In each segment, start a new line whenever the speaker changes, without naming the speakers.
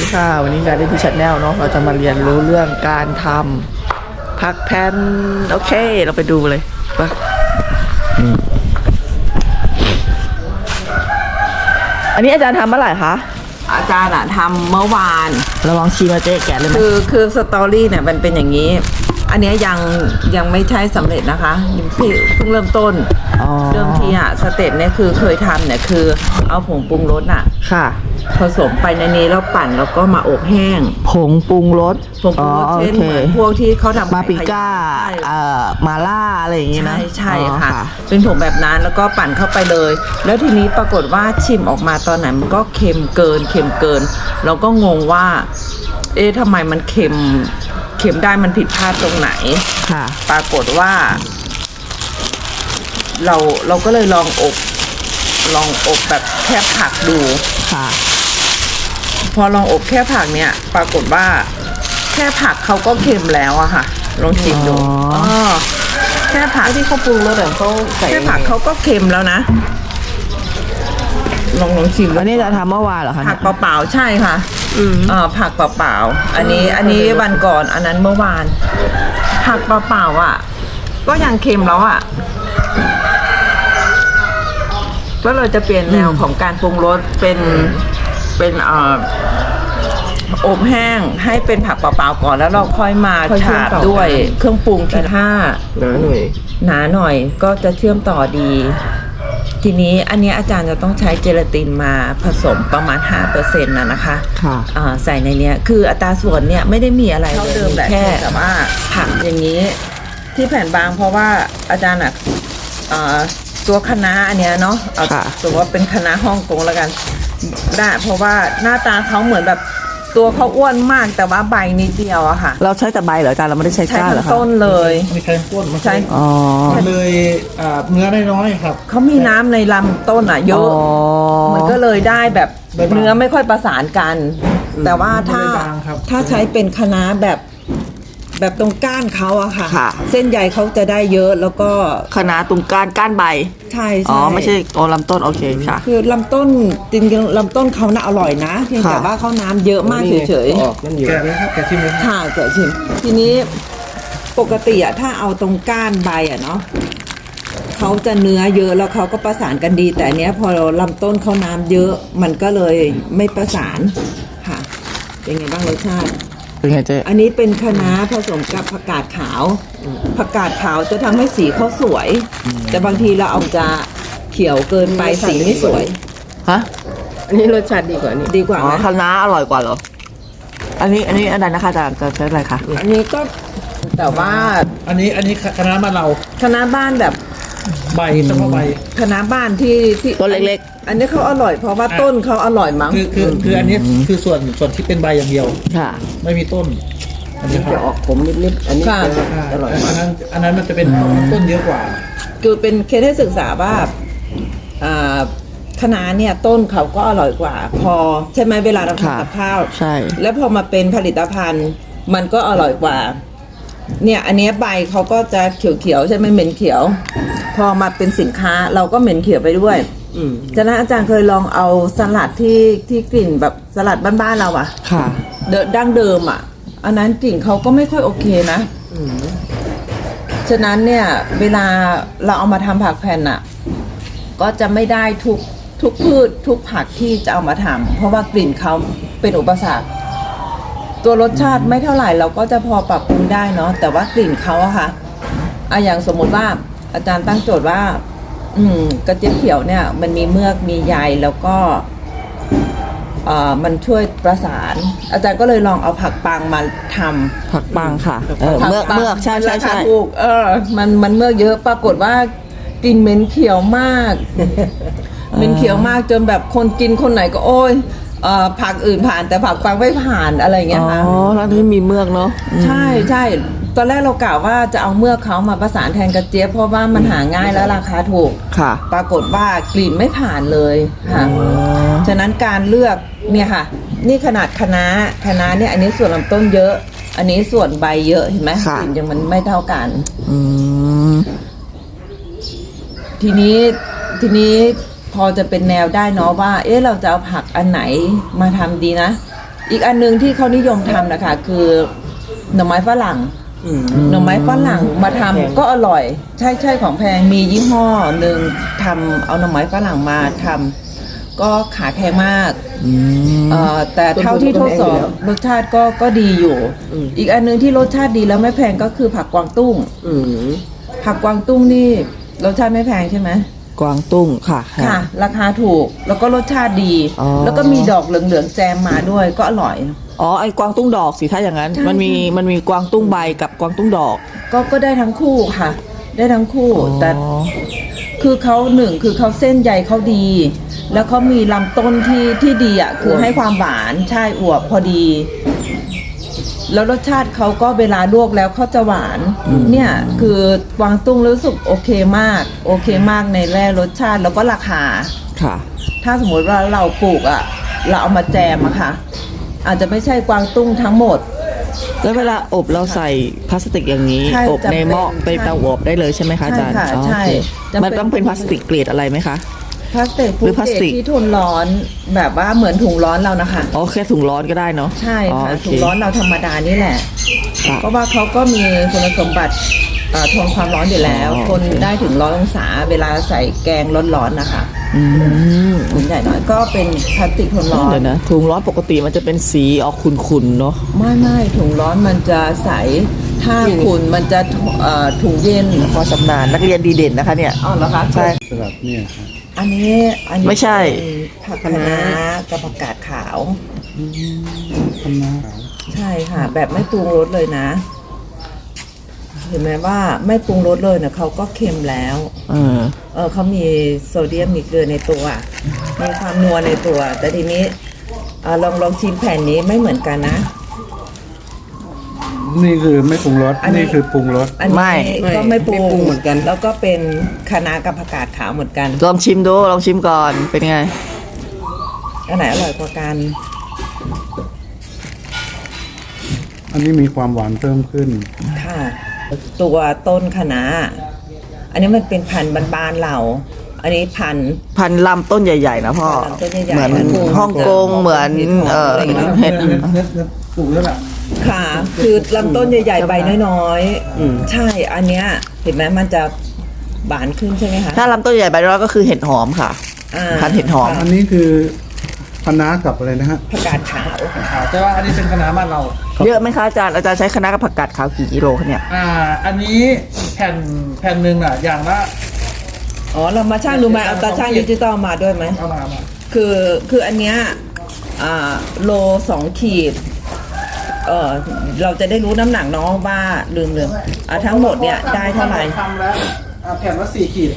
ค่ะวันนี้การได้ที่Channelเนาะเราจะมาเรียนรู้เรื่องการทำผักแผ่นโอเคเราไปดูเลยปะอันนี้อาจารย์ทำเมื่อไหร่คะ
อาจารย์ทำเมื่อวาน
เราลองชิมมาเจ๊แกะเลยไหม
คือสตอรี่เนี่ยมันเป็นอย่างนี้ อันนี้ยังไม่ใช่สำเร็จนะคะพี่เพิ่งเริ่มต้นเดิมทีสเต็ปเนี่ยคือเคยทำเนี่ยคือเอาผงปรุงรส
ค่ะ
ผสมไปในนี้แล้วปั่นแล้วก็มาอบแห้ง
ผงปรุงรส
เช่นเหมือนพวกที่เขาทำ
มาปิก้ามาล่าอะไรอย่างงี้นะ
ใช่ค่ะเป็นผงแบบนั้นแล้วก็ปั่นเข้าไปเลยแล้วทีนี้ปรากฏว่าชิมออกมาตอนไหนมันก็เค็มเกินเราก็งงว่าทำไมมันเค็มได้มันผิดพลาดตรงไหน
ค่ะ
ปรากฏว่าเราก็เลยลองอบแบบแค่ผักดู
ค่ะ
พอลองอบแค่ผักเนี่ยปรากฏว่าแค่ผักเขาก็เค็มแล้วอะค่ะลองชิมดูแค่ผัก
ที่เขาปรุงรสแบบเขาใส่
แค่ผักเขาก็เค็มแล้วนะลองชิม
อันนี้จะทำเมื่อวานเหรอคะ
ผักเปล่าๆใช่ค่ะผักเปล่าๆอันนี้วันก่อนอันนั้นเมื่อวานผักเปล่าๆอ่ะก็ยังเค็มแล้วอ่ะก็เลยจะเปลี่ยนแนวของการปรุงรสเป็นอบแห้งให้เป็นผักเปล่าๆก่อนแล้วเราค่อยมาฉาบด้วยเครื่องปรุงที่
หนาห
น่อยก็จะเชื่อมต่อดีทีนี้อันนี้อาจารย์จะต้องใช้เจลาตินมาผสมประมาณ 5% นะคะใส่ในนี้คืออัตราส่วนเนี่ยไม่ได้มีอะไรเลยแค่แต่ว่าผักอย่างนี้ที่แผ่นบางเพราะว่าอาจารย์ตัวคะน้าอันเนี้ยเนาะเอาสมมติว่าเป็นคะน้าฮ่องกงแล้วกันได้เพราะว่าหน้าตาเขาเหมือนแบบตัวเขาอ้วนมากแต่ว่าใบนิดเดียวอะค่ะ
เราใช้แต่ใบเหรออาจารย์เราไม่ได้ใช้ก้านเหรอคะ
ต้นเลย
ไม่ใช้ต้น
ใช่
มันเลยเนื้อน้อยๆครับ
เขามีน้ำในลำต้นเยอะมันก็เลยได้แบบเนื้อไม่ค่อยประสานกันแต่ว่าถ้าใช้เป็นคะน้าแบบตรงก้านเขาอะค่ะเส้นใยเขาจะได้เยอะแล้วก็
คะน้าตรงก้านใบ
ใช่
ไม่ใช่ลำต้นโอเคค่ะ
คือลำต้นจริงๆลำต้นเขาน่าอร่อยนะเพียงแต่ว่าเขาน้ำเยอะมากเฉย
ๆแกะเลยครับแกะชิมเลย
ค่ะแกะชิมทีนี้ปกติถ้าเอาตรงก้านใบเนาะเขาจะเนื้อเยอะแล้วเขาก็ประสานกันดีแต่อันเนี้ยพอลำต้นเขาน้ำเยอะมันก็เลยไม่ประสานค่ะเป็นไงบ้างรสชาติ
เป็นไงเจ๊
อันนี้เป็นคะน้าผสมกับผักกาดขาวผักกาดขาวจะทำให้สีเขาสวยแต่บางทีเราเอาจะเขียวเกินไปสีไม่สวย
ฮะ
อันนี้รสชาติดีกว่านี้ดีกว่า
คะน้าอร่อยกว่าเหรออันนี้อะไรนะคะจะใช้อะไรคะ
อันนี้ก็แต่ว่า
อันนี้คณะบ้านเรา
คณะบ้านแบบ
ใบเฉพาะใบ
คณะบ้านที่
ต้นเล็ก
ๆอันนี้เขาอร่อยเพราะว่าต้นเขาอร่อยมั้ง
คืออันนี้คือส่วนที่เป็นใบอย่างเดียว
ค่ะ
ไม่มีต้น
อันนี้จะออกขมนิดๆอันนี้
อร่อยอันนั้นมันจะเป็นต้นเยอะกว่า
คือเป็นเคสให้ศึกษาว่าคะน้าเนี่ยต้นเขาก็อร่อยกว่าพอใช่ไหมเวลาเราทำกับข้าว
ใช่
แล้วพอมาเป็นผลิตภัณฑ์มันก็อร่อยกว่าเนี่ยอันนี้ใบเขาก็จะเขียวๆใช่ไหมเหม็นเขียวพอมาเป็นสินค้าเราก็เหม็นเขียวไปด้วยฉะนั้นอาจารย์เคยลองเอาสลัดที่กลิ่นแบบสลัดบ้านๆเรา
ค่ะ
ดั้งเดิมอันนั้นกลิ่นเขาก็ไม่ค่อยโอเคนะฉะนั้นเนี่ยเวลาเราเอามาทำผักแผ่นก็จะไม่ได้ทุกพืชทุกผักที่จะเอามาทำเพราะว่ากลิ่นเขาเป็นอุปสรรคตัวรสชาติไม่เท่าไหร่เราก็จะพอปรับปรุงได้เนาะแต่ว่ากลิ่นเขาค่ะอย่างสมมติว่าอาจารย์ตั้งโจทย์ว่ากระเจี๊ยบเขียวเนี่ยมันมีเมือกมีใยแล้วก็มันช่วยประสานอาจารย์ก็เลยลองเอาผักปังมาทำ
ผักปังค่ะเมือกใช่
ถูกมันเมือกเยอะปรากฏว่ากลิ่นเหม็นเขียวมากเหม็นเขียวมากจนแบบคนกินคนไหนก็โอ้ยผักอื่นผ่านแต่ผักปังไม่ผ่านอะไรเงี้ยค่ะ
แล้วที่มีเมือกเนาะ
ใช่ตอนแรกเรากล่าวว่าจะเอาเมือกเขามาประสานแทนกระเจี๊ยบเพราะว่ามันหาง่ายแล้วราคาถูก
ค่ะ
ปรากฏว่ากลิ่นไม่ผ่านเลยค่ะฉะนั้นการเลือกเนี่ยค่ะนี่ขนาดคะน้าเนี่ยอันนี้ส่วนลำต้นเยอะอันนี้ส่วนใบเยอะเห็นไหมกลิ่นยังมันไม่เท่ากันทีนี้พอจะเป็นแนวได้เนาะว่าเราจะเอาผักอันไหนมาทำดีนะอีกอันนึงที่เขานิยมทำนะคะคือหน่อไม้ฝรั่งหน่อไม้ฝรั่งมาทำก็อร่อยใช่ของแพงมียี่ห้อหนึ่งทำเอาหน่อไม้ฝรั่งมาทำก็ขายแพงมากแต่เท่าที่ทดสอบรสชาติก็ดีอยู่อีกอันนึงที่รสชาติดีแล้วไม่แพงก็คือผักกวางตุ้งผักกวางตุ้งนี่รสชาติไม่แพงใช่ไหม
กวางตุ้งค่ะ
ค่ะราคาถูกแล้วก็รสชาติดีแล้วก็มีดอกเหลืองๆแจมมาด้วยก็อร่อย
อ๋อไอ้กวางตุ้งดอกสิถ้าอย่างนั้นมันมีกวางตุ้งใบกับกวางตุ้งดอก
ก็ได้ทั้งคู่ค่ะ ได้ทั้งคู่แต่คือเขาหนึ่งคือเขาเส้นใยเขาดี แล้วเขามีลำต้นที่ดีอ่ะคือให้ความหวานใช่อวบพอดี แล้วรสชาติเขาก็เวลาลวกแล้วเขาจะหวานเนี่ยคือกวางตุ้งรู้สึกโอเคมากในแร่รสชาติแล้วก็ราคา
ค่ะ
ถ้าสมมติว่าเราปลูกอ่ะเราเอามาแจมอะค่ะอาจจะไม่ใช่กวางตุ้งทั้งหมด
แล้วเวลาอบเราใส่พลาสติกอย่างนี้อบในหม้อไปเตาอบได้เลยใช่ไหมคะอาจารย์
ใช่
มันต้องเป็นพลาสติกเกรดอะไรไหมคะ
พลาสติกหรือพลาสติกที่ทนร้อนแบบว่าเหมือนถุงร้อนเรานะคะ
อ๋อแค่ถุงร้อนก็ได้เนาะ
ใช่ค่ะถุงร้อนเราธรรมดานี่แหละเพราะว่าเขาก็มีคุณสมบัติทนความร้อนอยู่แล้วทนได้ถึง100 องศาเวลาใส่แกงร้อนๆนะคะถุงใหญ่หน่อยก็เป็นพลาสติกทนร้อน
เดี๋ยวนะถุงร้อนปกติมันจะเป็นสีออกขุ่นๆเนาะ
ไม่ถุงร้อนมันจะใสถ้าขุ่นมันจะถุงเย็น
พอชำนาญนักเรียนดีเด่นนะคะเนี่ย
อ๋อเหรอคะ
ใช่
สลับเนี่ย
อันนี้
ไม่ใช่
ผักคะน้ากับผักกาดขาว
คะน้า
ใช่ค่ะแบบไม่ปรุงรสเลยนะเห็นไหมว่าไม่ปรุงรสเลยเนี่ยเขาก็เค็มแล้วเขามีโซเดียมมีเกลือในตัวมีความนัวในตัวแต่ทีนี้ลองชิมแผ่นนี้ไม่เหมือนกันนะ
นี่คือไม่ปรุงรสนี่คือปรุงรส
ไม่ก็ไม่ปรุงเหมือนกันแล้วก็เป็นคะน้ากับผักกาดขาวเหมือนกัน
ลองชิมดูลองชิมก่อนเป็นไง
อันไหนอร่อยกว่ากัน
อันนี้มีความหวานเพิ่มขึ้น
ค่ะตัวต้นคะน้าอันนี้มันเป็นพันธุ์บ้านๆเราอันนี้พัน
ธุ์ลำต้นใหญ่ๆนะพ่อเหมือนฮ่องกงเหมือนเห็ด
ปลูกแล้วล่ะ
ค่ะคือลำต้นใหญ่ๆใบน้อยๆใช่อันเนี้ยเห็นไหมมันจะบานขึ้นใช่ไหมคะ
ถ้าลำต้นใหญ่ใบน้อยก็คือเห็ดหอมค่ะพันธุ์เห็ดหอม
อันนี้คือคะน้ากับอะไรนะฮะ
ผักกาดขาว
แต่ว่าอันนี้เป็นคะน้าบ้านเรา
เยอะไหมคะอาจารย์ใช้คะน้ากับผักกาดขาวกี่กิโลคะเนี่ย
อันนี้แผ่นหนึ่งอ่ะอย่างละ
เรามาช่างดูไหมเอาตาช่างดิจิตอลมาด้วยไหม
เอามา
คืออันเนี้ยโล2 ขีดเราจะได้รู้น้ำหนักน้องว่าลืมทั้งหมดเนี่ยได้เท่าไหร่
ทำแล้วแผ่นละ4 ขีด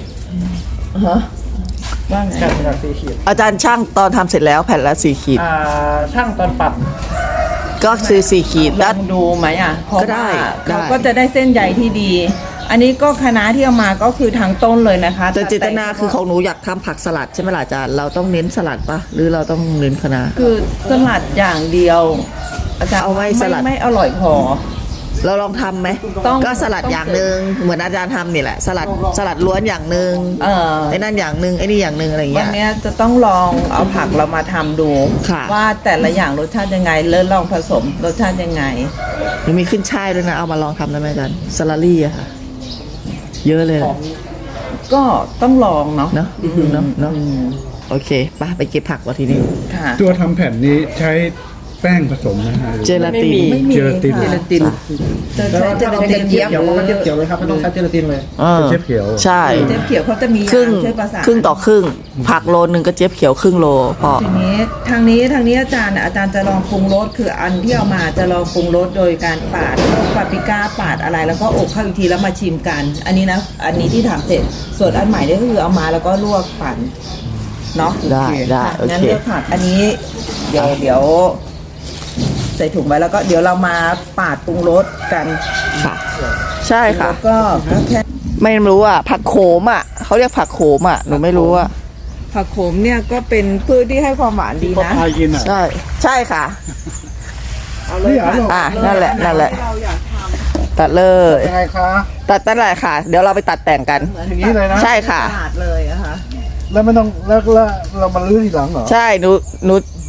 ว่าไง
แผ่นละ4 ขีด
อาจารย์ช่างตอนทำเสร็จแล้วแผ่นละ4 ขีด
ช่างตอนปัด
ก็คือ4 ขีด
ลองดูไหม
ก็ได้
เขาก็จะได้เส้นใยที่ดีอันนี้ก็คะน้าที่เอามาก็คือทางต้นเลยนะคะ
แต่เจตนาคือของหนูอยากทำผักสลัดใช่ไหมล่ะอาจารย์เราต้องเน้นสลัดปะหรือเราต้องเน้นคะน้า
คือสลัดอย่างเดียวอาจารย์
เอาไว้สลัด
ไม่อร่อยพอ
เราลองทำไหมก็สลัดอย่างหนึ่งเหมือนอาจารย์ทำนี่แหละสลัดล้วนอย่างหนึ่งไอ้นั่นอย่างหนึ่งไอ้นี่อย่างหนึ่งอะไรอย่างเงี้ย
วันนี้จะต้องลองเอาผักเรามาทำดูว่าแต่ละอย่างรสชาติยังไงแล้วลองผสมรสชาติยังไง
หรือมีขึ้นช่ายด้วยนะเอามาลองทำได้ไหมอาจารย์สลัดลี่อะค่ะเยอะเลย
ก็ต้องลองเนาะ
เนาะโอเคไปเก็บผักวะทีนี้
ตัวทำแผ่นนี้ใช้แป้งผสมนะฮะ
เจลาติน
เจลาติน
จะใช้เจลาติน
เขียวมันก็เขียวเลยครับไม่ต้องใช้เจลาตินเลยเจี๊ยบเขียว
ใช่
เจี๊ยบเขียวเขาจะมี
ครึ่งต่อครึ่งผักโลนึงก็เจี๊ยบเขียวครึ่งโลพอ
ทีนี้ทางนี้อาจารย์จะลองปรุงรสคืออันที่เอามาจะลองปรุงรสโดยการปาดปาปริก้าปาดอะไรแล้วก็อบเข้าอีกทีแล้วมาชิมกันอันนี้นะอันนี้ที่ทำเสร็จส่วนอันใหม่นี่ก็คือเอามาแล้วก็ลวกปั่นเนาะ
ได้
งั้นเลือกผักอันนี้เดี๋ยวใส่ถุงไว้แล้วก็เดี๋ยวเรามาปาดปรุงรสกัน
ค่ะใช่ค่ะ
แล้วก็แค่
ไม่รู้ผักโขมเขาเรียกผักโขมหนูไม่รู้
ผักโขมเนี่ยก็เป็นพืชที่ให้ความหวานดีนะ
ใช่ค่ะเอาเลยนั่นแหละตัดเลย
ยังไงคะ
ตัดนั่นแหละค่ะเดี๋ยวเราไปตัดแต่งกัน
อย่างนี้เลยนะ
ใช่ค่ะ
ตัดเลยนะคะ
แล้วไม่ต้องแล้วเรามาลื้อทีหลังเหรอ
ใช่หนูห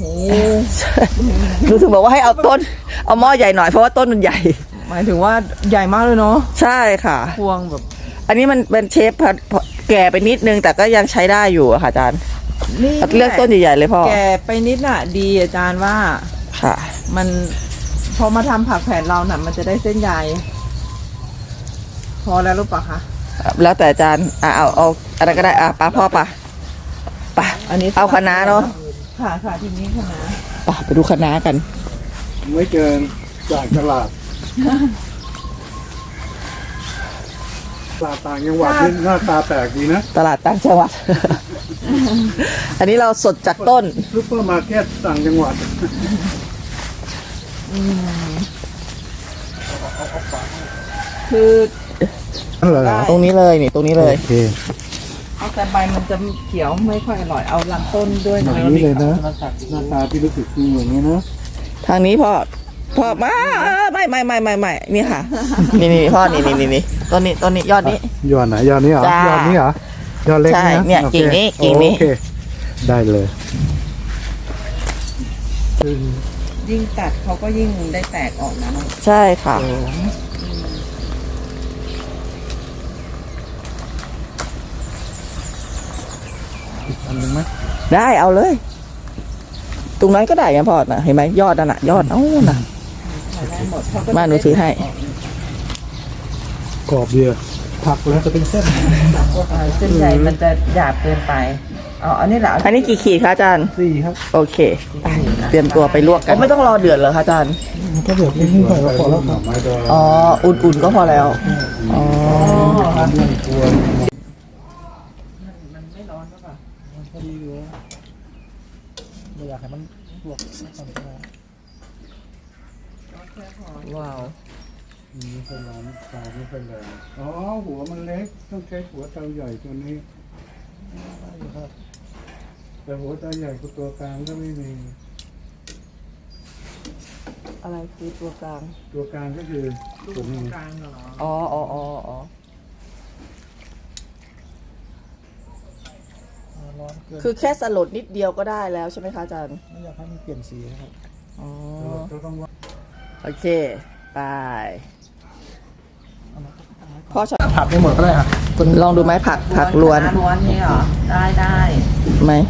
นูถึงบอกว่าให้เอาต้นเอาหม้อใหญ่หน่อยเพราะว่าต้นมันใหญ่
หมายถึงว่าใหญ่มากเลยเนาะ
ใช่ค่ะ
พวงแบบ
อันนี้มันเป็นเชฟแก่ไปนิดนึงแต่ก็ยังใช้ได้อยู่อะค่ะอาจารย์
นี่
เลือกต้นใหญ่ๆเลยพ่อ
แกไปนิดน่ะ ดีอาจารย์ว่า
ค่ะ
มันพอมาทำผักแผ่นเราน่ะ มันจะได้เส้นใยพอแล้วรู้ปะคะ
แล้วแต่อาจารย์เอาอะไรก็ได้ป้าพ่อป่ะ
อันนี้
เอาคะน้าเนาะ
ค่ะค่ะทีนี้คะน้า
ไปดูคะน้ากัน
ไม่เกินจากตลาดต่างจังหวัดนี่หน้าตาแปลกดีนะ
ตลาดต่างจังหวัด อันนี้เราสดจากต้น
ซุปเปอร์มาร์เก็ตต่างจังหวัด
คือ
นั่นเหรอ
ตรงนี้เลยนี่ตรงนี้เลย
โอเค
เอาแต่ใบมันจะเขียวไม่ค่อยอร่อยเอาลำต้นด้วย
อ
นะ
ย่างนี้เลยนะหน้าตาที่รู้สึกคืออย่างนี้นะ
ทางนี้พ่อมาไม่นี่ค่ะ นี่พ่อนี่ต้นนี้ยอดนี้
ยอดไหนยอดนี้เหรอ
จ้าย
อดนี้เหรอยอดเล็ก
ใช่
นะ
เนี่ย
โอค
กิ่งนี้
โอเคได้เลย
ยิ่งตัดเขาก็ยิ่งได้แตกออกนะ
ใช่ค่ะ
อันหนึงไหม
ได้เอาเลย ตรงนั้นก็ได้ไงพ่อนะเห็นไหมยอดนั่นน่ะยอดน่ะ
ได้หมดเขาก็
มาหนูถือให้
กรอบเดียวผักแล้วจะเป็นเส้น
เส้นใหญ่มันจะหยาบเกินไปอันนี้แหละ
อันนี้กี่ขีดคะอาจารย์
4 ครับ
โอเคไปเตรียมตัวไปลวกกันไม่ต้องรอเดือดเหรอคะอาจารย์
ถ้าเดือดนิดหน่อยก็พอแล้วครับไม้ดอง
อ๋ออุ่นๆก็พอแล้วอ๋อ
มันไม่ร้อนหรือเปล่า
พอดีอยู่ไม่อยากให้มันลวก
ว้าว
ไม่เป็นไรเตาไม่เป็นไรอ๋อหัวมันเล็กต้องใช้หัวเตาใหญ่ตัวนี้ครับแต่หัวเตาใหญ่กับตัวกลางก็ไม่มี
อะไรคือตัวกลาง
ตัวกลางก็คือตัวนี้
กลางเหรอ
อ๋อ
ร้อนเกิน
คือแค่สลดนิดเดียวก็ได้แล้วใช่ไหมคะอาจารย์
ไม่อยากให้มันเปลี่ยนสีครับ
อ๋อ
เราต้องว่า
โอเคไปพ่อชอบ
ผัดไม่หมดก็ได้ครับ
ลองดูไหมผักล้วน
ล้วนนี่เหรอได้
ไหม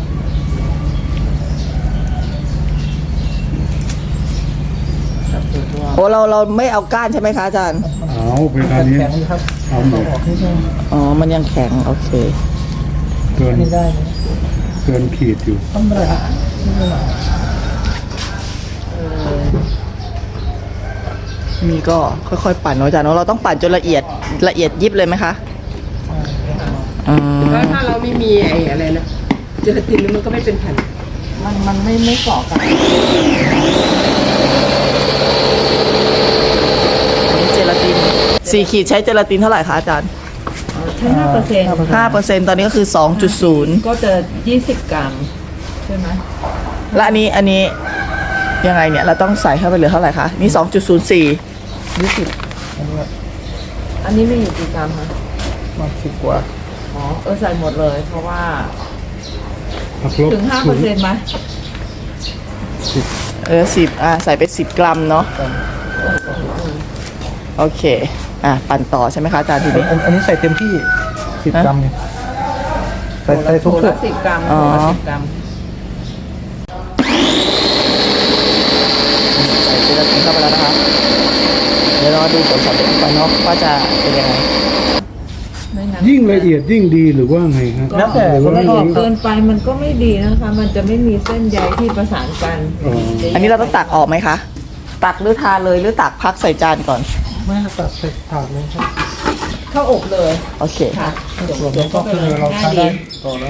โอ้เราไม่เอาก้านใช่ไหมคะอาจารย์
เอาเวลานี้เอาหมด
อ๋อมันยังแข็งโอเค
เกินขีดอยู่
มีก็ค่อยๆปั่นเนาะอาจารย์เนาะเราต้องปั่นจนละเอียดยิบเลยไหมคะอืม
ก็ถ้าเราไม่มีไอ้อะไรนะเจลาตินมันก็ไม่เป็นแผ่น
มันไม่เกาะกัน
อันนี้เจลาติน4 ขีดใช้เจลาตินเท่าไหร่คะอาจารย์
ใช้5%
5%ตอนนี้ก็คือ 2.0
ก็จะ20 กรัมใช่ไหม
และอันนี้ยังไงเนี่ยเราต้องใส่เข้าไปเหลือเท่าไหร่คะนี่ 2.04
อันนี้ไม่อยู่กี่กรัมคะ
มา10 กว่า
ใส่หมดเลย เพราะว่า
ผักลบ
ถึง 5%ไหม
10ใส่ไป10 กรัมเนาะโอเคปั่นต่อใช่ไหมคะอาจารย์ทีนี้
อันนี้ใส่เต็มที่ 10 กรัมเนี่ยใส่ทุก
ถุง
สุ
ละ
ด
10 กรัม
อ๋อ
ถุงละ10 กรัม
ใส่เจลาตินเข้าไปแล้วนะคะเดี๋ยวรอดูผลสำเร็จก่อนเนาะว่าจะเป็นยังไง
ไม่งั้น
ยิ่งละเอียดยิ่งดีหรือว่าไงครับ
แล้วแต่
หรือว่า
ละ
ไม่
เอียด
รู้
เกินไปมันก็ไม่ดีนะคะ มันจะไม่มีเส้นใยที่ประสานกัน
อ๋อ
อันนี้เราต้องตักออกไหมคะตักหรือทานเลยหรือตักพักใส่จานก่อน
ไม่ตัดใส่ถาดเลยครับ
เข้าอบเลย
โอเค
ค่ะ
ส่วนนี้ก็คือเราใช้ได้ต่อได้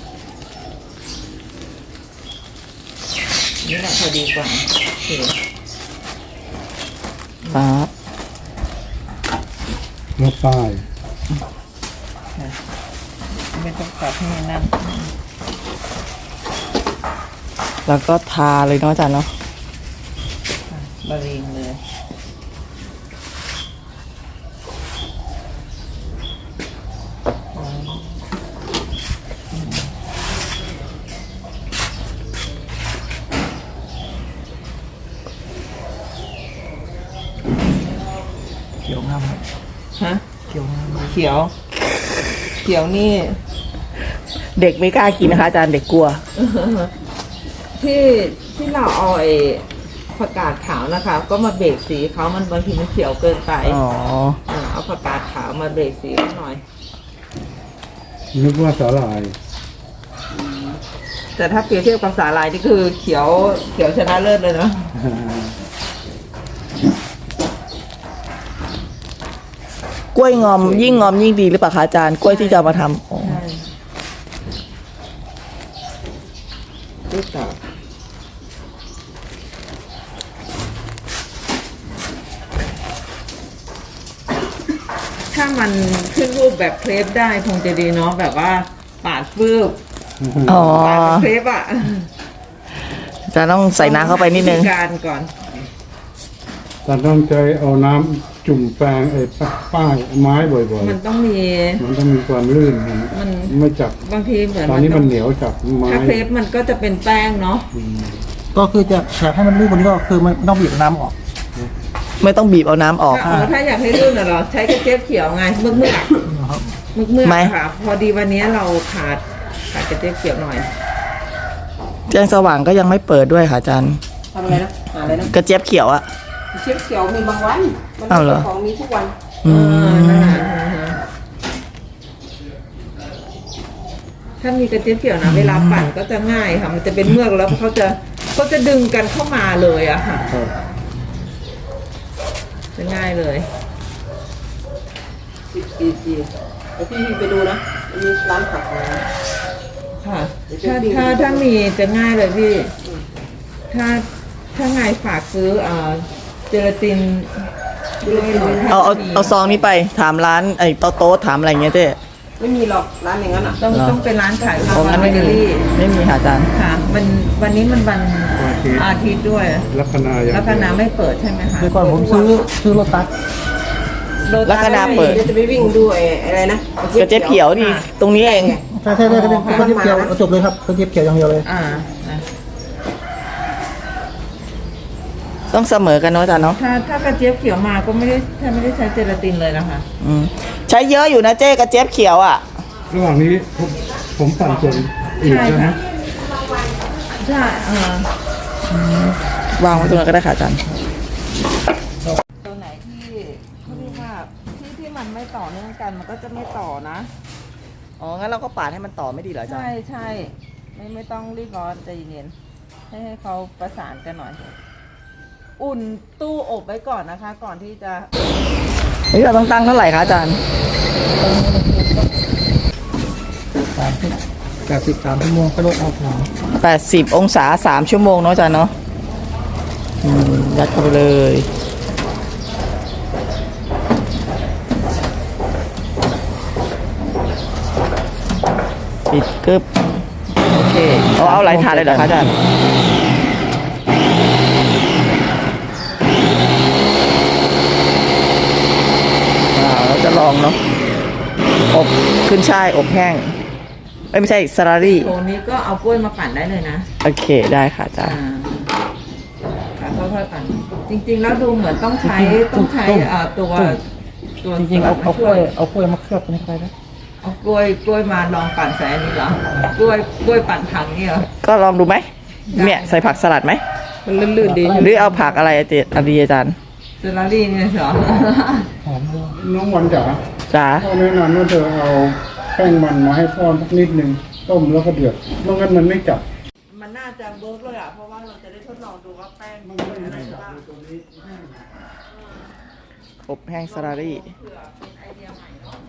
นี่แหละพอดีกว่าโอเค
ครับ
แล้วป้าย
ไม่ต้องตัดให้นั่น
แล้วก็ทาเลยเนาะอาจารย์เนาะ
บะเรงเลยฮะเขียวเขียวนี่
เด็กไม่กล้ากินนะคะอาจารย์เด็กกลัว
ที่เราเอาไอ้ผักกาดขาวนะคะ ก็มาเบรกสีเขามันบางทีมันเขียวเกินไป
อ๋อ
เอาผักกาดขาวมาเบรกสีเขาหน่อย
นึกว่าสาหร่าย
แต่ถ้าเปรียบเทียบกับสาลายนี่คือเขียวชนะเลิศเลยเนาะ
กล้วยงอมยิ่งงอมยิ่งดีหรือเปล่าคะอาจารย์กล้วยที่จะเอามาทำอ๋อ
ใช่ดูต่อถ้ามันขึ้นรูปแบบเครปได้คงจะดีเนาะแบบว่าปาดฟืบ
อ๋อ
ปาดเป็นเครปอ่ะ
จะต้องใส่น้ำเข้าไปนิดนึง
วิธีการก่อน
แต่ต้องใจเอาน้ำจุ่มแปรงไอ้ป้ายไม้บ่อย
มันต้องมี
ๆ มันต้องมีความลื่น
มัน
ไม่จับบ
างทีเหมือน
ตอนนี้
ต้
มั
อนง
เหนียวจับไม้
ถ้าเครปมันก็จะเป็นแป้งเนาะ
ก็คือจะอยากให้มันลื่นกว่านี้ก็คือมันต้องบีบน้ำออก
ไม่ต้องบีบเอาน้ำออก
ถ้าอยากให้ลื่นน่ะเหรอใช้กระเจี๊ยบเขียวไงเมือก
ไหม
ค่ะ พอดีวันนี้เราขาดกระเจี๊ยบเขียวหน่อย
แจ้งสว่างก็ยังไม่เปิดด้วยค่ะอาจารย์
ทำอะไรนะหาอะไรนะ
กระเจี๊ยบเขียวอะ
เชียบเขียวมีบางวันมัน
อ้าวเหรอ
ของมีทุกวัน
อืม
ถ้ามีกระเจี๊ยบเขียวนะเวลาปั่นก็จะง่ายค่ะ มันจะเป็นเมือกแล้วเขาจะดึงกันเข้ามาเลยอะค่ะ
ครับ
จะง่ายเลย
10 cc แล้วพี่ไปดูนะมีร้านผักนะ
ค่ะ ถ้ามีจะง่ายเลยพี่ ถ้าไงฝากซื้อเจลาตินด้วยหน่อย
เอาซองนี้ไปถามร้านไอ้โต๊ะถามอะไรเงี้ยเจ๊
ไม่มีหรอกร้านอย่างนั้นอ่ะ
ต้องเป็นร้านขาย
โอ้งั้นไม่
เบ
มี
เกอรี่
ไม่มีค่ะอาจารย์
ค่ะวันนี้มันวันอาทิตย์ด้วย
ลัคนาอย่าง
แล้วคณะไม่เปิดใช่ไหมคะ
เดี๋ยวก่อนผมซื้อรถตัส
แล้วคณะเปิด
เดี๋ยวจะไปวิ่งดูอะไรนะ
กระเจี๊ยบเขียวนี่ตรงนี้เอง
ใช่ก็เจี๊ยบเขียวเอาจบเลยครับก็เจี๊ยบเขียวอย่างเดียวเลย
นะ
ต้องเสมอกันเนาะอาจารย์เนาะ
ถ้ากระเจี๊ยบเขียวมาก็ไม่ได้ใช้เจลาตินเลยนะคะ
อืมใช้เยอะอยู่นะเจ๊กระเจี๊ยบเขียวอ่ะ
ระหว่างนี้ผมปั่นส่วนอีก
ใช่
แล้ว
ค่ะ
นะ
ใช่
วางไว้ตรงนั้นก็ได้ค่ะอาจารย์
ตัวไหนที่เขาเรียกว่าที่มันไม่ต่อเนื่องกันมันก็จะไม่ต่อนะ
อ๋องั้นเราก็ปาดให้มันต่อไม่ดีเหรออาจารย์
ใช่ไม่ต้องรีบร้อนใจเย็นให้เขาประสานกันหน่อย อุ่นตู้อบไว้ก่อนนะคะ ก่อนที่จะ
นี่เราต้องตั้งเท่าไหร่คะอาจารย์
83 ชั่วโมงก็ลดเอาของ
80 องศา3 ชั่วโมงเนาะอาจารย์เนาะยัดเข้าไปเลย ปิดกึบโอเคเอาหลายถาดเลยเหรอคะอาจารย์เราจะลองเนาะอบขึ้นช่ายอบแห้งไม่ใช่สลารี่
โถนี้ก็เอากล้วยมาปั่นได้เลยนะ
โอเคได้ค่ะอาจารย์
ค่ะค่อยๆปั่นจริงๆแล้วดูเหมือนต้องใช้ตัว
จริงๆเอากล้วยมาเคลือบตรงนี้ไปนะ
เอากล้วยมาลองปั่นใส่อันนี้เหรอกล้วยปั่นถังนี่เหรอ
ก็ลองดูไหมเนี่ยใส่ผักสลัดไหม
มันลื่นๆดี
หรือเอาผักอะไรอาจารย์
เซลารี่เนี่ยเหรอ
หอมด้วย
น้องวันจ๋า
จ๋า
พ่อแนะนำว่าเธอเอาแป้งมันมาให้พ่อสักนิดนึงต้มแล้วก็เดือดไม่งั้นมันไม่จับ
มันน่าจะเวิร์กเลยอ่ะเพราะว่าเราจะได้ทดลองดูว่าแป้งมันเป็นอะไรบ้าง
อบแห้งสลารี่
เผื่อเป็นไอเดียใหม่เนาะ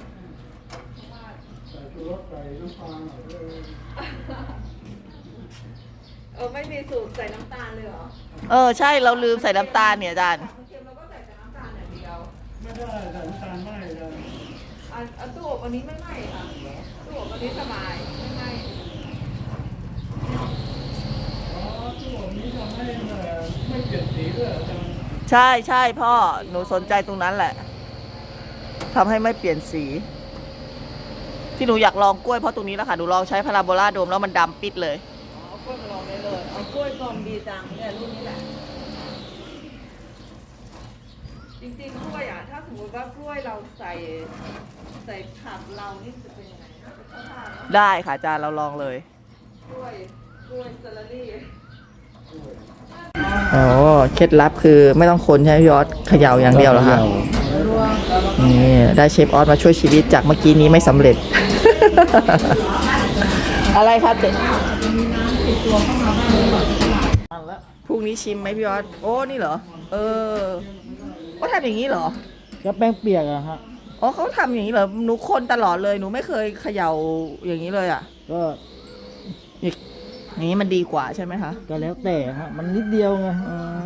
ไม่มีสูตรใส่น้ำตาลเลยเหรอ
ใช่เราลืมใส่น้ำตาลเนี่ยอาจารย์
เค็มเราก็ใส่แต่น้ำตาลอย่างเดียว
ไม่ได้แต่น้ำตาลไม่เลย
ตู้อบอันนี้ไม่ไหม้ค่ะตู้อบอันนี้สบายไม่ไหม้
ไม่เปลี่ยนสีด้วยอาจารย์
ใช่ใช่พ่อหนูสนใจตรงนั้นแหละทำให้ไม่เปลี่ยนสี ที่หนูอยากลองกล้วยเพราะตรงนี้แล้วค่ะหนูลองใช้พาราโบลาโดมแล้วมันดำปิดเลย
เอากล้วยมาลองได้เลยเอากล้วยกลมดีจังเนี่ยรุ่นนี้แหละจริงๆกล้วยอ่ะถ้าสมมติว่ากล้วยเราใส่ผักเรานี่จะเป็นยังไงเข้าท่าไหม
ได้ค่ะอาจารย์เราลองเลย
กล้วยสลัดลี่
อ๋อเคล็ดลับคือไม่ต้องคนใช่ไหมพี่ออสเขย่าอย่างเดียวเหรอคะนี่ได้เชฟออสมาช่วยชีวิตจากเมื่อกี้นี้ไม่สำเร็จ อะไรครับเจ๊พรุ่งนี้ชิมไหมพี่ออสโอ้นี่เหรอก็ทำอย่างนี้เหรอ
ก็แป้งเปียกอะฮะ
อ๋อเขาทำอย่างนี้เหรอหนูคนตลอดเลยหนูไม่เคยเขย่าอย่างนี้เลยอ่ะ
ก็
อย่างนี้มันดีกว่าใช่ไหมคะ
ก็แล้วแต่ฮะมันนิดเดียวไง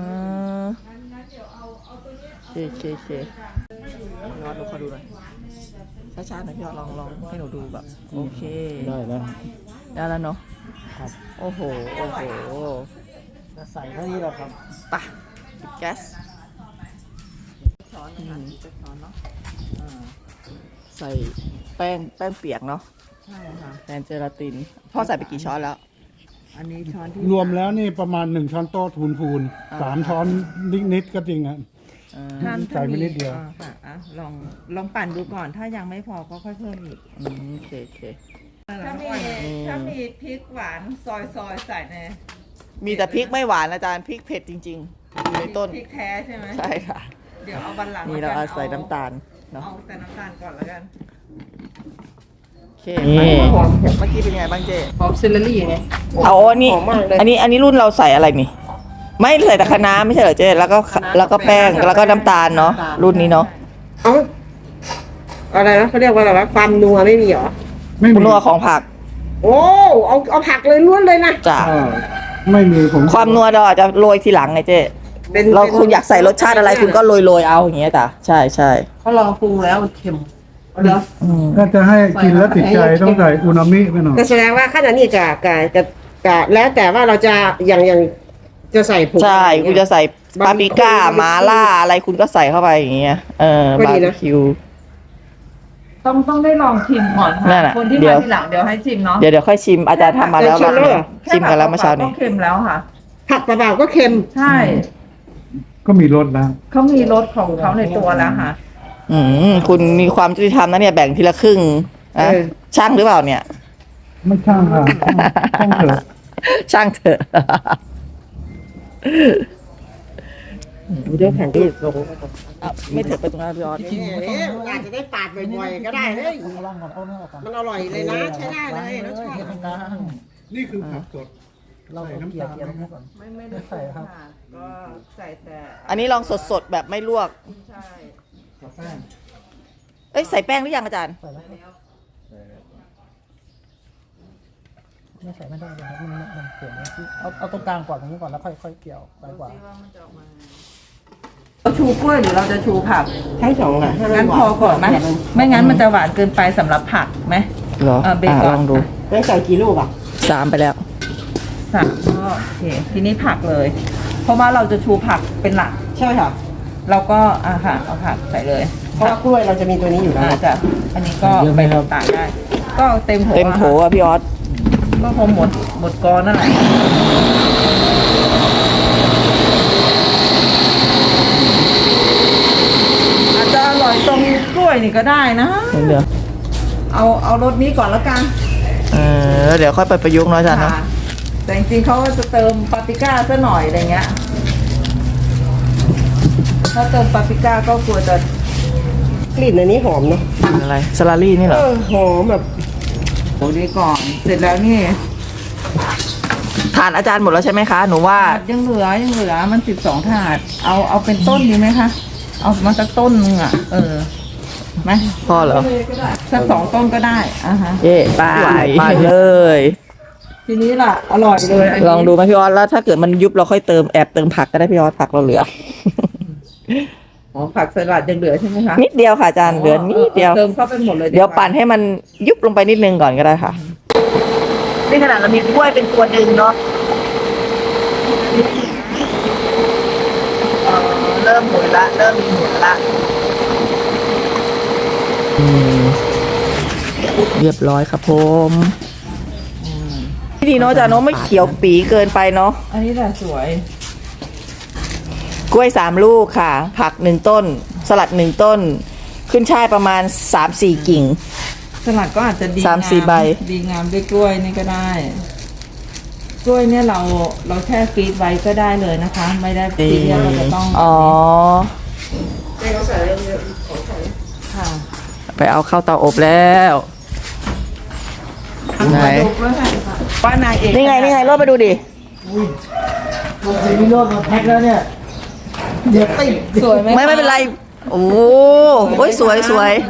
เคพี่ออสดูขอดูหน่อยช้าๆหน่อยพี่ออสลองให้หนูดูแบบโอเค
ได้แล้ว
ได้แล้วเนาะ
ครับ
โอ้โห
จะใส่เท่านี้แหละครับ
ไปะปิดแก๊สช้อนนะคะจะช้อนเนาะใส่แป้งเปียกเนาะ
ใช่ค่ะ
แทนเจลาตินพ่อใส่ไปกี่ช้อนแล้ว
อันนี้ช้อนที่
รวมแล้วนี่ประมาณ1 ช้อนโต๊ะพูน
อ่า
3 ช้อนนิดๆก็จริงอ่ะ
ถ้า
ใส่ไปนิดเดียว
ค่ะลองปั่นดูก่อนถ้ายังไม่พอก็ค่อยเพิ่มอีก
โอเค
ถ้ามีพริกหวานซอยใส่ใน
มีแต่พริกไม่หวานอาจารย์พริกเผ็ดจริงๆอยู่ในต้น
พริกแท้ใช่ไหม
ใช่ค่ะ
เดี๋ยวเอาบันหลัง
นี่เราเอาใส่น้ำตาลเนาะ
เอาแต่น้ำตาลก่อนแล้วกัน
โอเคนี่เมื่อกี้เป็นไงบ้างเจ๊
หอมเซลลี่ไง
เอาอันนี้
หอมมากเลย
อันนี้รุ่นเราใส่อะไรนี่ ไม่ใส่แต่คะน้าไม่ใช่เหรอเจ๊แล้วก็แป้งแล้วก็น้ำตาลเนาะรุ่นนี้เนาะ
เอ้าอะไรนะเขาเรียกว่าอะไรวะความนัวไม่มีเหรอ
ไม่
คุณ
มี
นัวของผัก
โอ้เอาผักเลยล้วนเลยนะ
จ้ะ
ไม่มีผม
ความนัวเราอาจจะโรยทีหลังไงเจ๊
เป็น
เราคุณอยากใส่รสชาติอะไรคุณก็โรยเอาอย่างเงี้ยจ้ะใช่
เขาลองปรุงแล้วมันเค็มเหรอ
ถ้าจะให้กินแล้วติดใจต้องใส่อูนามิไปหน่อย
ก็แสดงว่าขนาดนี้กะแล้วแต่ว่าเราจะอย่างจะใส่ผง
ใช่
อะไร
คุณ
เงี้
จะ
ย
ใส่ปาปริก้าหมาล่าอะไรคุณก็ใส่เข้าไปอย่างเงี้ยบาร์บีคิว
ต้องได้ลองชิมก่อน
นั่
ค่ะ
นน่ะ
คนที่
เดี๋
มา
ยว
ทีหลังเดี๋ยวให้ชิมเนาะ
เดี๋ยวค่อยชิมอาจารย์ทำมาแล้วแบบนี้ชิมกันแล้วเมื่อเช้านี้
ก็เค็มแล้วค่ะ
ผักเปล่าๆก็เค็ม
ใช่
ก็มีรสแล้ว
เขามีรสของเขาในตัวแล้วค่ะ
คุณมีความยุติธรรมนะเนี่ยแบ่งทีละครึ่งนะ
เออ
ช่างหรือเปล่าเนี่ย
ไม่ช่างค่ะช่างเถอะ
ช่างเถอะ
เดี๋ยวแข่งที่ลง
ไม่เถอะไปตรงนั้นพี่ออส
อาจจะได้ปาดบ่อยๆก็ได้เลยมันอร่อยเลยนะใช้ได้เลยรสชาติ
นี่คือผักสด
เรา
ใส่น้ำตาลไหมครับ
ไม่ได้ใส่ครับก็ใส่แต่
อันนี้ลองสดๆแบบไม่ลวก
ใช่
กับแป้ง
เอ้ยใส่แป้งหรือยังอาจารย์
ไม่ใส่ไม่ได้เลยครับมันเปลี่ยนเอาตรงกลางก่อนตรงนี้ก่อนแล้วค่อยเกี่ยวไปกว่า
เราชูกล้วยหรือเราจะชูผัก
ทั้งสองอ่ะ
งั้นพอก่อนไหมไม่งั้นมันจะหวานเกินไปสำหรับผักไหม
เหรอ
เบรกก่อน
ลองดู
ได้ใส่กี่ลูกอ่ะ
3 ไปแล้ว
สับก็โอเคทีนี้ผักเลย เพราะว่าเราจะชูผักเป็นหลัก
ใช่ค่ะ
เราก็ค่ะเอาผักใส่เลย
เพราะว่ากล้วยเราจะมีตัวนี้อยู่แล้ว
อาจจะอันนี้ก็ไปต่างได้ ก็เต็มโถ
เต็มโถ
อะ
อ่ะพี่ออส
ก็คงหมดกอนั่นแหละอาจจะอร่อยตรงกล้วยนี่ก็ได้นะ
เดี๋ยว
เอารสนี้ก่อนแล้วกัน
เดี๋ยวค่อยไปประยุกต์เนาะอาจารย์เนาะ
ค่ะแต่จริงๆเขาจะเติมปาปริก้าซะหน่อยอะไรเงี้ย ถ้าเติมปาปริก้าก็กลัวจะ
กลิ่นอันนี้หอมเนาะ
อะไรสลารี่นี่เหรอ
หอมแบบ
โอ้ดีก่อน เสร็จแล้วนี่
ทานอาจารย์หมดแล้วใช่ไหมคะ หนูว่า
ยังเหลือมัน12 ถาด เอาเป็นต้นดีไหมคะ เอามาสักต้นนึงอ่ะ ไหม
พอเหรอ
สัก2 ต้นก็ได้ฮะ
เย่ไปเลย
ทีนี้ล่ะ อร่อยเลยนนี้
ลองดูไหมพี่ออสแล้วถ้าเกิดมันยุบเราค่อยเติมแอบเติมผักก็ได้พี่ออสผักเราเหลือ
อ๋อผักสลัดยังเหลือใช่ไหมคะ
นิดเดียวค่ะอาจารย์เหลือนิดเดียว
เติมเข้าไปหมดเลย
เดี๋ยวปั่นให้มันยุบลงไปนิดนึงก่อนก็ได้ค่ะนี่ขนาดเรามีกล้วยเป็นตัวดึงเนาะเริ่มหมุนละเริ่มมีหมุนละเรียบร้อยครับผมดีเนาะอาจารย์เนาะไม่เขียวปีเกินไปเนาะ
อันนี้แหละสวย
กล้วย3 ลูกค่ะ ผัก1 ต้นสลัด1 ต้น ขึ้นช่ายประมาณ 3-4 กิ่ง
สลัดก็อาจจะดี
3-4 ใบ
ดีงามด้วยกล้วยนี่ก็ได้ กล้วยเนี่ยเราแช่ฟรีซไว้ก็ได้เลยนะคะ ไม่ได้ฟรีซเราจะต้อง
อ๋อ
ค่ะ
ไปเอาเข้าเตาอบแล้ว ไหน
มาดูกล้วยค่ะว่านางเอก
นี่ไงรถมาดูดิ
มีโลดมาแพ็คแล้วเนี่ย เดี๋ยวติด
สวยไหมคะ
ไม่เป็นไร โอ้โหสวย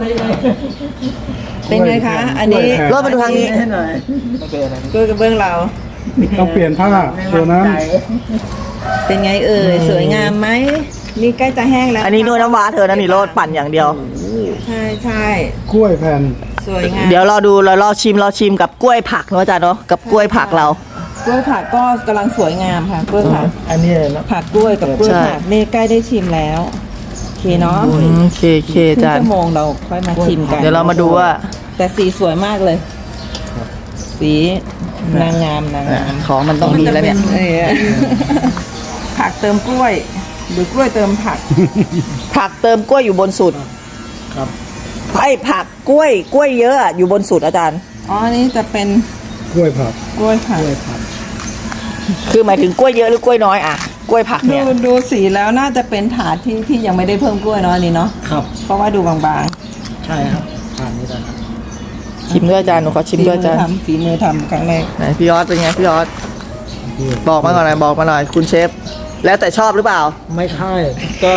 เป็นไงคะ อันนี้
รถมาดูทางนี้
ให้หน่อย
กล้วยกระเบื้องเรา
ต้องเปลี่ยนผ้าตัวนั้น
เป็นไงเอ่ยสวยงามไหมนี่ใกล้จะแห้งแล้ว
อันนี้นวดน้ำว้าเธอนะนี่รถปั่นอย่างเดียว
ใช่
กล้วยแผ่น
สวยงาม
เดี๋ยวรอดูรอชิมกับกล้วยผักเนาะอาจารย์เนาะกับกล้วยผักเรา
กล้วยผักก็กำลังสวยงามค่ะกล้วยผัก
อันนี้เลยนะ
ผักกล้วยกับกล้วย
ใช่
ผักนี่ใกล้ได้ชิมแล้วโอเคเนาะ
โอเค
ครึ่
อาง จาร
ชั่
ย์
วโมงเราค่อยมาชิมกัน
เดี๋ยวเรามาดูว่า
แต่สีสวยมากเลย สีนางงาม
ของมันต้องมีแล้วเนี่ย
เออผักเติมกล้วย หรือกล้วยเติมผัก
ผักเติมกล้วยอยู่บนสุด
ครับ
ไอ้ผักกล้วยเยอะอะอยู่บนสุดอาจารย์
อ๋ออันนี้จะเป็น
กล้วยผัก
กล้วยผัก
คือหมายถึงกล้วยเยอะหรือกล้วยน้อยอะกล้วยผักเนี่ย
ดูสีแล้วน่าจะเป็นถาดที่ยังไม่ได้เพิ่มกล้วยเนาะอันนี้เนาะ
ครับ
เพราะว่าดูบาง
ใช่ครับผ่านนี้ได้ครับ
ชิมด้วยอาจารย์หนูขอ
ๆ
ชิมด้วยอาจารย์
ฝีมือทำครั้งแรก
ไหนพี่ยอดเป็นไงพี่ยอดบอกมาก่อนหน่อยบอกมาหน่อยคุณเชฟแล้วแต่ชอบหรือเปล่า
ไม่ใช่ก็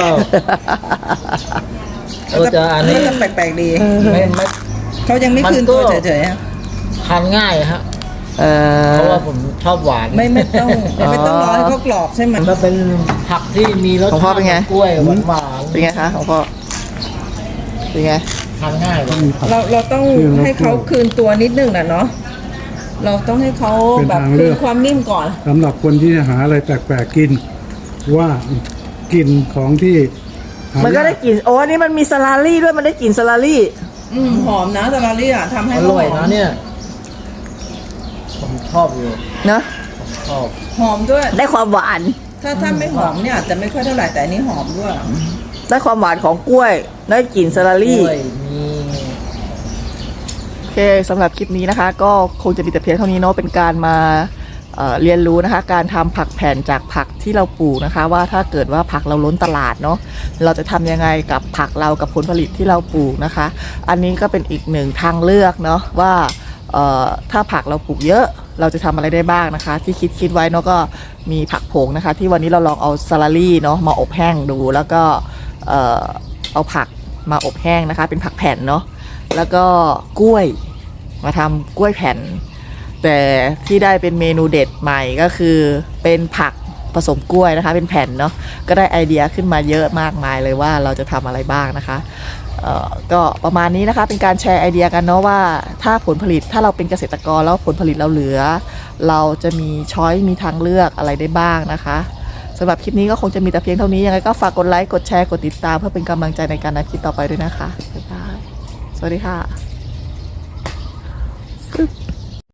จะอันนี้
ก็จะแปลกๆดี
ไม่
เขายังไม่คืนตัวเฉยๆอะ
ทานง่ายฮะ
เอ
เพราะ
อ
ว่าผมชอบหวาน
ไม่ต้องรอให้เขากรอบใช่ไหม
มันเป็นผักที่มีรส
ของพ่อ
ชาติ
เป็นไง
กล้วยหวาน
เป็นไงคะของพ่อเป็นไง
ๆทานง่ายเลย
เราต้องให้เขาคืนตัวนิดนึงนะเนาะเราต้องให้เขาแบบคืนความนิ่มก่อน
สำหรับคนที่หาอะไรแปลกๆกิน ว่ากลิ่นของที่หา
มันก็ได้กลิ่นโอ้อันนี้มันมีสลาลี่ด้วยมันได้กลิ่นสลาลี่
หอมนะซาลารี่อ่ะทำให้
อ
เขา
ร่อย
หอ
นะ
ม
เนี่ยผมชอบอยู่
เนอะ
ชอบ
หอมด้วย
ได้ความหวาน
ถ้าไม่หอมเนี่ยอาจจะไม่ค่อยเท่าไหร่แต่อันนี้หอมด้วย
ได้ความหวานของกล้วย ได้กลิ่นสลาก ลี่
ล้วยมี
โอเคสำหรับคลิปนี้นะคะ ก็คงจะมีแต่เพียงเท่านี้เนาะเป็นการมาเรียนรู้นะคะ การทำผักแผ่นจากผักที่เราปลูกนะคะ ว่าถ้าเกิดว่าผักเราล้นตลาดเนาะเราจะทำยังไงกับผักเรากับผลผลิตที่เราปลูกนะคะ อันนี้ก็เป็นอีกหนึ่งทางเลือกเนาะว่าถ้าผักเราปลูกเยอะเราจะทำอะไรได้บ้างนะคะ ที่คิดไว้เนาะก็มีผักผงนะคะ ที่วันนี้เราลองเอาซาลารี่เนาะมาอบแห้งดูแล้วก็เอาผักมาอบแห้งนะคะ เป็นผักแผ่นเนาะแล้วก็กล้วยมาทำกล้วยแผ่น แต่ที่ได้เป็นเมนูเด็ดใหม่ก็คือเป็นผักผสมกล้วยนะคะ เป็นแผ่นเนาะก็ได้ไอเดียขึ้นมาเยอะมากมายเลยว่าเราจะทำอะไรบ้างนะคะก็ประมาณนี้นะคะเป็นการแชร์ไอเดียกันเนาะว่าถ้าผลผลิตถ้าเราเป็นเกษตรกรแล้วผลผลิตเราเหลือ เราจะมีช้อยมีทางเลือกอะไรได้บ้างนะคะสำหรับคลิปนี้ก็คงจะมีแต่เพียงเท่านี้ยังไงก็ฝากกดไลค์กดแชร์กดติดตามเพื่อเป็นกำลังใจในการทำคลิปต่อไปด้วยนะคะบ๊ายบายสวัสดีค่ะ